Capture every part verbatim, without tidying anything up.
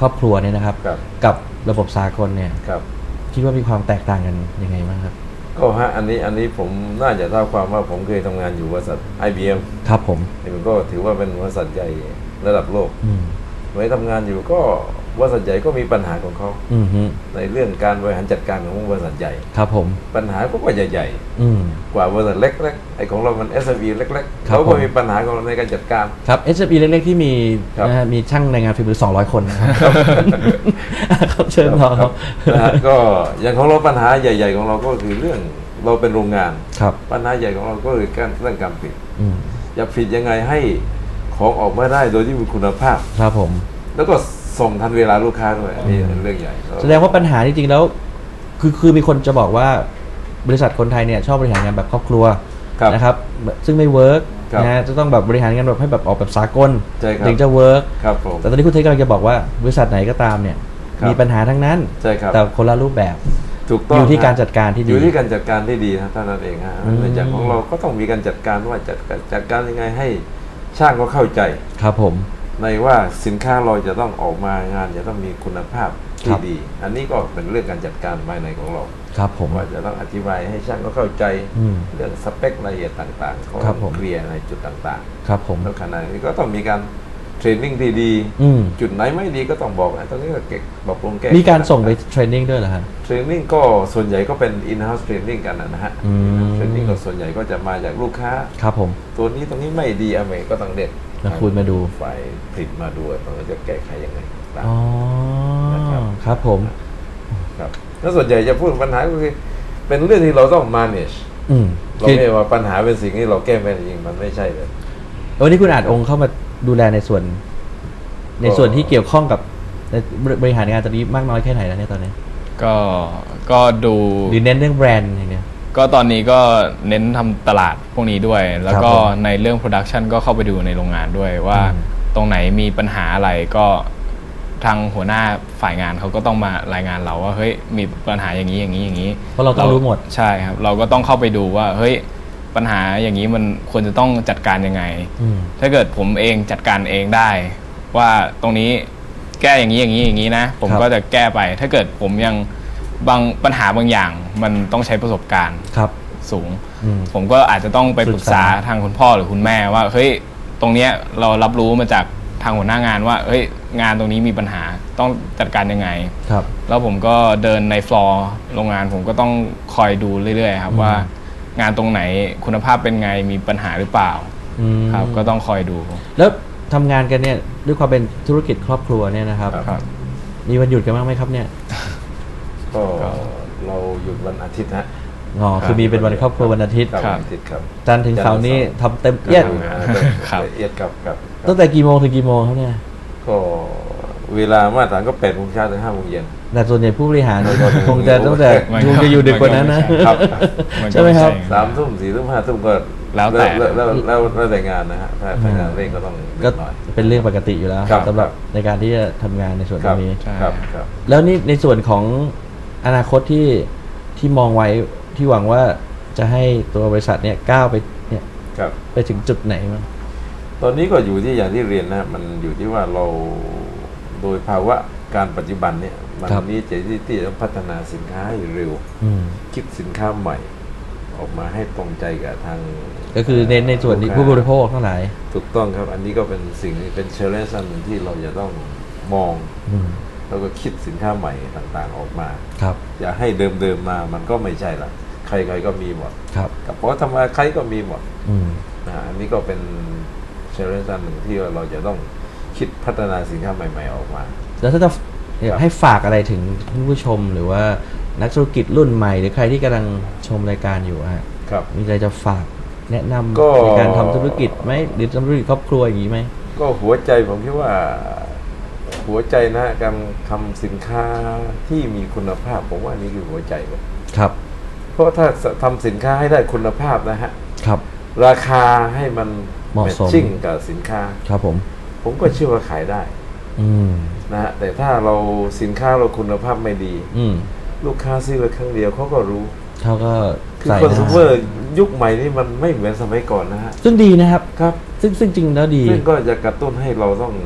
ครอบครัวเนี่ยนะครับกับระบบสากลเนี่ยคิดว่ามีความแตกต่างกันยังไงบ้างครับก็ฮะอันนี้อันนี้ผมน่าจะเท่าความว่าผมเคยทำงานอยู่บริษัท ไอ บี เอ็มครับผมมันก็ถือว่าเป็นบริษัทใหญ่ระดับโลกไว้ทำงานอยู่ก็บริษัทใหญ่ก็มีปัญหาของเขาในเรื่องการบริหารจัดการของบริษัทใหญ่ครับผมปัญหาก็ว่าใหญ่ๆกว่าบริษัทเล็กๆไอ้ของเรามัน เอส เอ็ม อี เล็กๆเขาก็มีปัญหาของเราในการจัดการครับ เอส เอ็ม อี เล็กๆที่มีนะฮะมีช่างในงานฝีมือสองร้อยคนนะครับครับเชิญต่อครับก็อย่างของเราปัญหาใหญ่ๆของเราก็คือเรื่องเราเป็นโรงงานปัญหาใหญ่ของเราก็คือการเรื่องการผลิตจะผลิตยังไงให้ของออกมาได้โดยที่มีคุณภาพครับผมแล้วก็ส่งทันเวลาลูกค้าด้วยอันนี้เป็นเรื่องใหญ่แสดงว่าปัญหาจริงๆแล้วคือคือมีคนจะบอกว่าบริษัทคนไทยเนี่ยชอบบริหารงานแบบครอบครัวนะครับซึ่งไม่เวิร์กนะจะต้องแบบบริหารงานแบบให้แบบออกแบบสากลถึงจะเวิร์กแต่ตอนนี้คุณเทคกำลังจะบอกว่าบริษัทไหนก็ตามเนี่ยมีปัญหาทั้งนั้นแต่คนละรูปแบบอยู่ที่การจัดการที่ดีอยู่ที่การจัดการที่ดีนะเท่านั้นเองฮะในจากของเราก็ต้องมีการจัดการว่าจัดจัดการยังไงให้ช่างก็เข้าใจครับผมในว่าสินค้าเราจะต้องออกมางานจะต้องมีคุณภาพที่ดีอันนี้ก็เป็นเรื่องการจัดการภายในของเราครับผมว่าจะต้องอธิบายให้ช่างก็เข้าใจเรื่องสเปครายละเอียดต่างๆเขาเคลียร์ในจุดต่างๆครับผมแล้วขณะนี้ก็ต้องมีการเทรนนิ่งที่ดีจุดไหนไม่ดีก็ต้องบอกตรงนี้ก็เก็บปรับปรุงแก้มีการส่งไปเทรนนิ่งด้วยเหรอฮะเทรนนิ่งก็ส่วนใหญ่ก็เป็น in-house training กันนะฮะเทรนนิ่งก็ส่วนใหญ่ก็จะมาจากลูกค้าครับผมตัวนี้ตรงนี้ไม่ดีอเมริกก็ต้องเด็ดนะคุณมาดูฝ่ายผลิตมาดูตรงนี้จะแก้ไขยังไงอ๋อครับผมครับแล้วส่วนใหญ่จะพูดปัญหาก็คือเป็นเรื่องที่เราต้อง manage เราไม่ว่าปัญหาเป็นสิ่งที่เราแก้ไม่ได้จริงมันไม่ใช่เลยวันนี้คุณอาจองค์เข้ามาดูแลในส่วนในส่วนที่เกี่ยวข้องกับบริหารงานตอนนี้มากน้อยแค่ไหนแล้วเนี่ยตอนนี้ก็ก็ดูหรือเน้นเรื่องแบรนด์อย่างเงี้ยก็ตอนนี้ก็เน้นทำตลาดพวกนี้ด้วยแล้วก็ในเรื่องโปรดักชันก็เข้าไปดูในโรงงานด้วยว่าตรงไหนมีปัญหาอะไรก็ทางหัวหน้าฝ่ายงานเขาก็ต้องมารายงานเราว่าเฮ้ยมีปัญหาอย่างนี้อย่างนี้อย่างนี้เพราะเราต้องรู้หมดใช่ครับเราก็ต้องเข้าไปดูว่าเฮ้ยปัญหาอย่างนี้มันควรจะต้องจัดการยังไงถ้าเกิดผมเองจัดการเองได้ว่าตรงนี้แก้อย่างนี้อย่างนี้อย่างนี้นะผมก็จะแก้ไปถ้าเกิดผมยังบางปัญหาบางอย่างมันต้องใช้ประสบการณ์สูงผมก็อาจจะต้องไปปรึกษาทางคุณพ่อหรือคุณแม่ว่าเฮ้ยตรงเนี้ยเรารับรู้มาจากทางหัวหน้างานว่าเฮ้ยงานตรงนี้มีปัญหาต้องจัดการยังไงแล้วผมก็เดินในฟลอร์โรงงานผมก็ต้องคอยดูเรื่อยๆครับว่างานตรงไหนคุณภาพเป็นไงมีปัญหาหรือเปล่าครับก็ต้องคอยดูแล้วทำงานกันเนี่ยด้วยความเป็นธุรกิจครอบครัวเนี่ยนะครับมีวันหยุดกันบ้างไหมครับเนี่ยก็เราหยุดวันอาทิตย์ฮะอ๋อคือมีเป็นวันครอบครัววันอาทิตย์ครับจันทร์ถึงเสาร์นี้ทำเต็มเอียดเอียดกับกับตั้งแต่กี่โมงถึงกี่โมงครับเนี่ยก็เวลามาตรฐานก็แปดโมงเช้าถึงห้าโมงเย็นแต่ส่วนใหญ่ผู้บริหารคงจะตั้งแต่คงจะอยู่ดึกกว่านั้นนะใช่ไหมครับสามทุ่มสี่ทุ่มห้าทุ่มก็แล้วแต่แล้วแล้วแล้วแต่งานนะฮะถ้างานเร่งก็ต้องก็เป็นเรื่องปกติอยู่แล้วสำหรับในการที่จะทำงานในส่วนตรงนี้ครับแล้วนี่ในส่วนของอนาคตที่ที่มองไว้ที่หวังว่าจะให้ตัวบริษัทเนี่ยก้าวไปเนี่ยไปถึงจุดไหนมั้งตอนนี้ก็อยู่ที่อย่างที่เรียนนะมันอยู่ที่ว่าเราโดยภาวะการปัจจุบันเนี่ยมันนี้จะที่ที่ต้องพัฒนาสินค้าให้เร็วคิดสินค้าใหม่ออกมาให้ตรงใจกับทางก็คือในในส่วนผู้บริโภคทั้งหลายถูกต้องครับอันนี้ก็เป็นสิ่งเป็นเชลเลนจ์อันหนึ่งที่เราจะต้องมองแล้วก็คิดสินค้าใหม่ต่างๆออกมาครับอย่าให้เดิมๆมามันก็ไม่ใช่ละใครๆก็มีหมดครับกับเพราะทำมาใครก็มีหมดนะอันนี้ก็เป็นเชลเลนจ์อันหนึ่งที่เราจะต้องคิดพัฒนาสินค้าใหม่ๆออกมาแล้วถ้าจะให้ฝากอะไรถึงผู้ชมหรือว่านักธุรกิจรุ่นใหม่หรือใครที่กำลังชมรายการอยู่ฮะมีอะไรจะฝากแนะนำในการทำธุรกิจไหมหรือทำธุรกิจครอบครัวอย่างนี้ไหมก็หัวใจผมคิดว่าหัวใจนะการทำสินค้าที่มีคุณภาพผมว่านี่คือหัวใจเลยครับเพราะถ้าทำสินค้าให้ได้คุณภาพนะฮะครับราคาให้มันเหมาะสมกับสินค้าครับผมผมก็เชื่อว่าขายได้นะฮะแต่ถ้าเราสินค้าเราคุณภาพไม่ดีลูกค้าซื้อไปครั้งเดียวเขาก็รู้เขาก็คือคอน sumer ยุคใหม่นี่มันไม่เหมือนสมัยก่อนนะฮะซึ่งดีนะครับครับซึ่งซึ่งจริงแล้วดีซึ่งก็จะกระตุ้นให้เราต้อง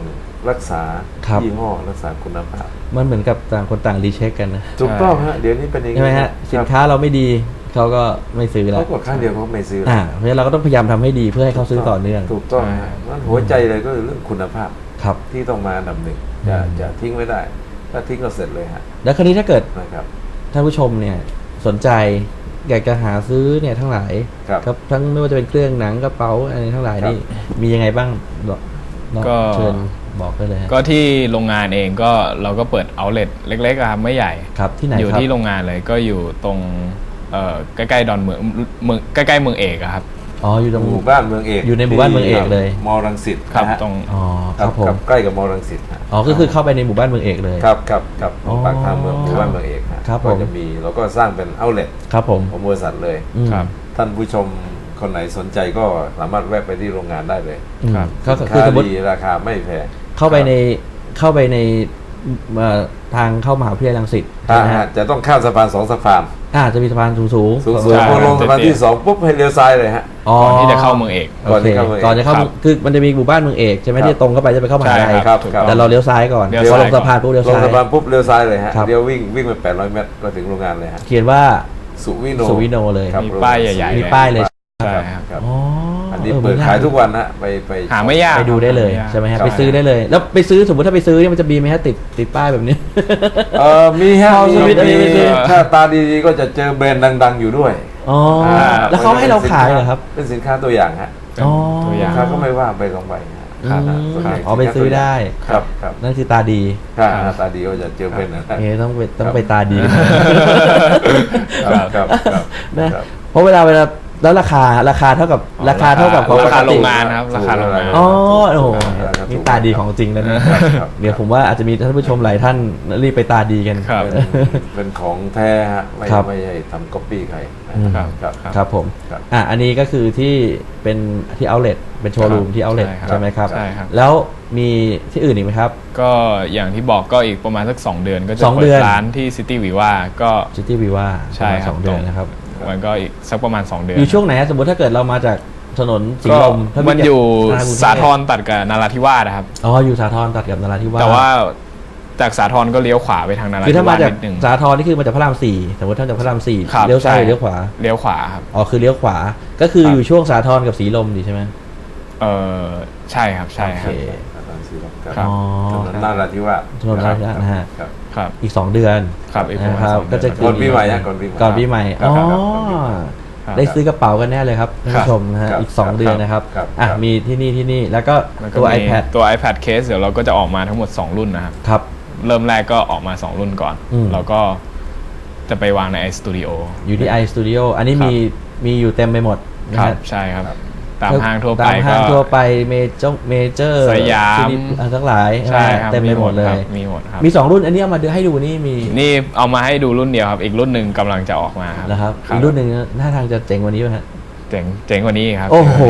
รักษาครับยี่ห้อรักษาคุณภาพมันเหมือนกับต่างคนต่างรีเช็คกันนะถูกต้องฮะเดี๋ยวนี้เป็นอย่างใช่ไหมฮะสินค้าเราไม่ดีเขาก็ไม่ซื้อแล้วเขากดข้างเดียวเขาไม่ซื้ออ่าเพราะฉะนั้นเราก็ต้องพยายามทำให้ดีเพื่อให้เขาซื้อต่อเนื่องถูกต้องฮะมันหัวใจเลยก็คือเรื่องคุณภาพครับที่ต้องมาอันดับหนึ่งอย่าอืมอย่าทิ้งไว้ได้ ถ้าทิ้งก็เสร็จเลยฮะแล้วคราวนี้ถ้าเกิดนะครับท่านผู้ชมเนี่ยสนใจอยากจะหาซื้อเนี่ยทั้งหลายครับทั้งไม่ว่าจะเป็นเครื่องหนังกระเป๋าอะไรทั้งหลายครับนี่มียังไงบ้างบอกบอกก็เชิญบอกได้เลยฮะก็ที่โรงงานเองก็เราก็เปิดเอาเล t เล็กๆอะครับไม่ใหญ่ครับที่ไหนอยู่ครับที่โรงงานเลยก็อยู่ตรงเอ่อใกล้ๆดอนเมืองเมืองใกล้ๆเมืองเอกอะครับอ๋ออยู่ตรงหมู่บ้านเมืองเอกอยู่ในหมู่บ้านเมืองเอกเลยมอรังสิตครับนะฮะตรงอ๋อคครัรับบผมครับใกล้กับมอรังสิตฮะอ๋อก็คือเข้าไปในหมู่บ้านเมืองเอกเลยครับครับครับอ๋อปากทางเมืองหมู่บ้านเมืองเอกฮะครับก็ผมจะมีเราก็สร้างเป็นเอาเล t ครับผมของบริษัทเลยอืมครับท่านผู้ชมคนไหนสนใจก็สามารถแวะไปที่โรงงานได้เลยอืมครับก็สินคือค้าสมมติดีราคาไม่แพงเข้าไปในเข้าไปในเอ่อทางเข้ามหาวิทยาลัยรังสิตถ้าใช่ไหมฮะจะต้องข้ามสะพานสองสะพานอ่าจะมีสะพานสูงสูงสูงใช่สูงพอลงครับสะพานที่สองปุ๊บให้เลี้ยวซ้ายเลยฮะอ๋อก่อนที่จะเข้าเมืองเอกโอเคก่อนที่เข้าเมืองเอกก่อนจะเข้าครับคือมันจะมีหมู่บ้านเมืองเอกใช่ไหมครับที่ตรงเข้าไปจะไปเข้ามหาวิทยาลัยใช่ครับถูกครับต้องแต่เราเลี้ยวซ้ายก่อนเลี้ยวพอลงซ้ายสะพานปุ๊บเลี้ยวลงซ้ายสะพานปุ๊บเลี้ยวซ้ายเลยฮะครับเลี้ยววิ่งวิ่งไปแปดร้อยเมตรก็ถึงโรงงานเลยฮะเขียนว่าสุวิโนสุวิโนเลยครับมีป้ายใหญ่ๆมีป้ายเลยใช่ครับครับอ๋ออัอันนี้เปิดขายทุกวันฮะไปไปหาไม่ยากไปดูได้เลยหาไม่ยากใช่ไหมฮะครับไปซื้อได้เลย แล้วไปซื้อสมมติถ้าไปซื้อเนี่ยมันจะมีไหมฮะติดติดป้ายแบบนี้เออมีฮะเอาสวิตช์อันนี้ไปซื้อถ้าตาดีๆก็จะเจอแบรนด์ดัง ๆ อยู่ด้วยอ๋อแล้วเขาให้เราขายเหรอครับเป็นสินค้าตัวอย่างฮะเป็นอ๋อตัวอย่าสิงนค้าก็ไม่ว่าไปสองใบฮะอืมนะส่วนใหญ่อ๋อไปซื้อได้ครับครับนั่นคือตาดีถ้าหน้าตาดีก็จะเจอเป็นนะเอ๊ะต้องไปต้องครับไปตาดีครับครับครับนะครับ เพราะเวลาเวลาแล้วราคาราคาเท่ากับราคาเท่ากับของราคาปกโรติงงานครับราคาโรงงานอ๋อโอ้โหราคาถูกนี่ตาดีของจริงแล้วเนี่ยครับเดี๋ยวผมว่าอาจจะมีท่านผู้ชมหลายท่านรีบไปตาดีกันครับเป็นเป็นของแท้ฮะไม่ครับไม่ใช่ทำก๊อปปี้ใครนะอืมครับครับครับผมครับอ่ะอันนี้ก็คือที่เป็นที่เอาเล t เป็นโชว์รูมที่เอาเล t ใช่ครับใช่ไหมครับใช่ครับแล้วมีที่อื่นอีกไหมครับก็อย่างที่บอกก็อีกประมาณสักสองเดือนก็จะสองเปิเดืดอนร้านที่ซิตี้วีว่าก็ซิตี้วีว่าใช่ครับสองเดือนนะครับมันก็อีกสักประมาณสองเดือนอยู่ช่วงไหนฮะสมมติถ้าเกิดเรามาจากถนนสีก็ลมถ้ามันอยู่จกกรุงเทพสาทรตัดกับนาราธิวาสนะครับอ๋ออยู่สาทรตัดกับนราธิวาสแต่ว่าจากสาทรก็เลี้ยวขวาไปทางนาราคือธิถ้าวามาสจากนิดนึงสาทรนี่คือมาจากพระรามสี่สมมติถ้าจากพระรามสี่ครับเลี้ยวซ้ายหใช่รือเลี้ยวขวาเลี้ยวขวาครับอ๋อคือเลี้ยวขวาก็คือครับอยู่ช่วงสาทรกับสีลมดีใช่ไหมเออใช่ครับใช่ครับโอเคตอนสี่รอบคครัรับบอ๋อถนนนาราธิวาสถนนนาราธิวาสนะฮะครับครับอีกสองเดือนครับอีกประมาณนะครับสองเดือนก็จะก่อนปีใหม่ฮะก่อนปีใหม่ก่อนปีใหม่ครับอ๋อครับครับก่อนปีใหม่ครับได้ซื้อกระเป๋ากันแน่เลยครับท่านผู้ชมนะฮะครับอีกสองครับเดือนนะครับครับอ่ะครับมีที่นี่ที่นี่แล้วก็แล้วก็ตัวมี iPad ตัว iPad case เดี๋ยวเราก็จะออกมาทั้งหมดสองรุ่นนะครับครับเริ่มแรกก็ออกมาสองรุ่นก่อนอืมแล้วก็จะไปวางใน iStudio อยู่ที่ iStudio อันนี้ครับมีมีอยู่เต็มไปหมดนะครัฮะบใช่ครับ ตามห้างทั่วไปตามห้างก็ทั่วไปเมเจอร์เมเจอร์สยามทั้งหลายใช่ครับเต็มไปหมดเลครัยบมีหมดครับมีสองรุ่นอันนี้เอามาดูให้ดูนี่มีนี่เอามาให้ดูรุ่นเดียวครับ อีกรุ่นหนึ่งกำลังจะออกมาครับนะครับอีกรุ่นหนึ่งหน้าทางจะเจ๋งกว่านี้ไหมฮะเจ๋งเจ๋งกว่านี้ครับโอ้โห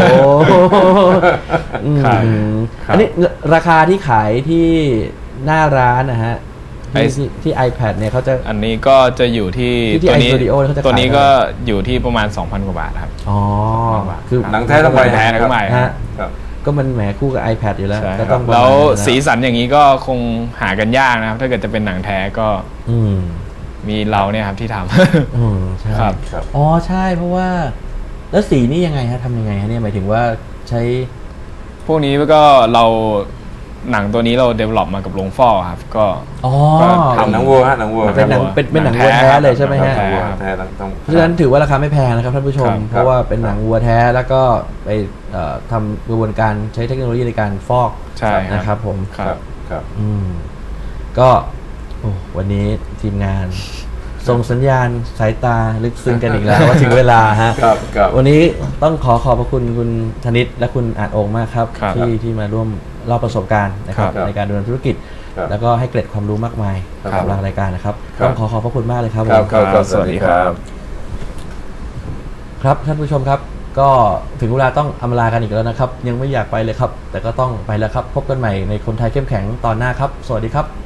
อืมครับครับอันนี้ราคาที่ขายที่หน้าร้านนะฮะที่ไอที่ที่ iPad เนี่ยเขาจะอันนี้ก็จะอยู่ที่ที่ตัวนี้ iStudio เขาจะขายตัวนี้ก็อยู่ที่ประมาณ สองพัน กว่าบาทครับอ๋อคือหนังแท้ทั้งใบแท้ทั้งใบฮะครับก็มันแหมคู่กับ iPad อยู่แล้วใช่ก็คต้รัองบประมาณแล้วนั้นนะสีสันอย่างนี้ก็คงหากันยากนะครับ ถ้าเกิดจะเป็นหนังแท้ก็อืมมีเราเนี่ยครับที่ทำอืมใช่ครับครับอ๋อใช่เพราะว่าแล้วสีนี่ยังไงฮะทำยังไงฮะเนี่ยหมายถึงว่าใช้พวกนี้ก็เราหนังตัวนี้เราเดเวล็อปมากับโรงฟอกครับ ก็อ๋อก็ทำหนังวัวฮะหนังวัวเป็นหนังวัวเป็นเป็นหนังหนัวัวงแท้แท้ครับเลยใช่ไหมฮะหนังวัวครับแท้ทั้งทั้งเพราะฉะนั้นถือว่าราคาไม่แพงนะครับท่านผู้ชมครับเพราะว่าเป็นหนังวัวแท้แล้วก็ไปเอ่อทำกระบวนการใช้เทคโนโลยีในการฟอกใช่นะครับผมครัครับ บครับอืมก็โอ้วันนี้ทีมงาน ส่งสัญญาณสายตาลึกซึ้งกันอีกแล้ว ว่าถึงเวลาฮะครับครับวันนี้ต้องขอขอบพระคุณคุณธนิตและคุณอาจองค์มากครับครับที่ที่มาร่วมเล่าประสบการณ์นะครับครับในการดำเนินธุรกิจครับแล้วก็ให้เกร็ดความรู้มากมายครับกับทางรายการนะครับครับต้องขอขอบพระคุณมากเลยครับครับผมครับครับสวัสดีครับครับท่านผู้ชมครับ ก็ถึงเวลาต้องอำลากันอีกแล้วนะครับ ยังไม่อยากไปเลยครับ แต่ก็ต้องไปแล้วครับ พบกันใหม่ในคนไทยเข้มแข็งตอนหน้าครับ สวัสดีครับ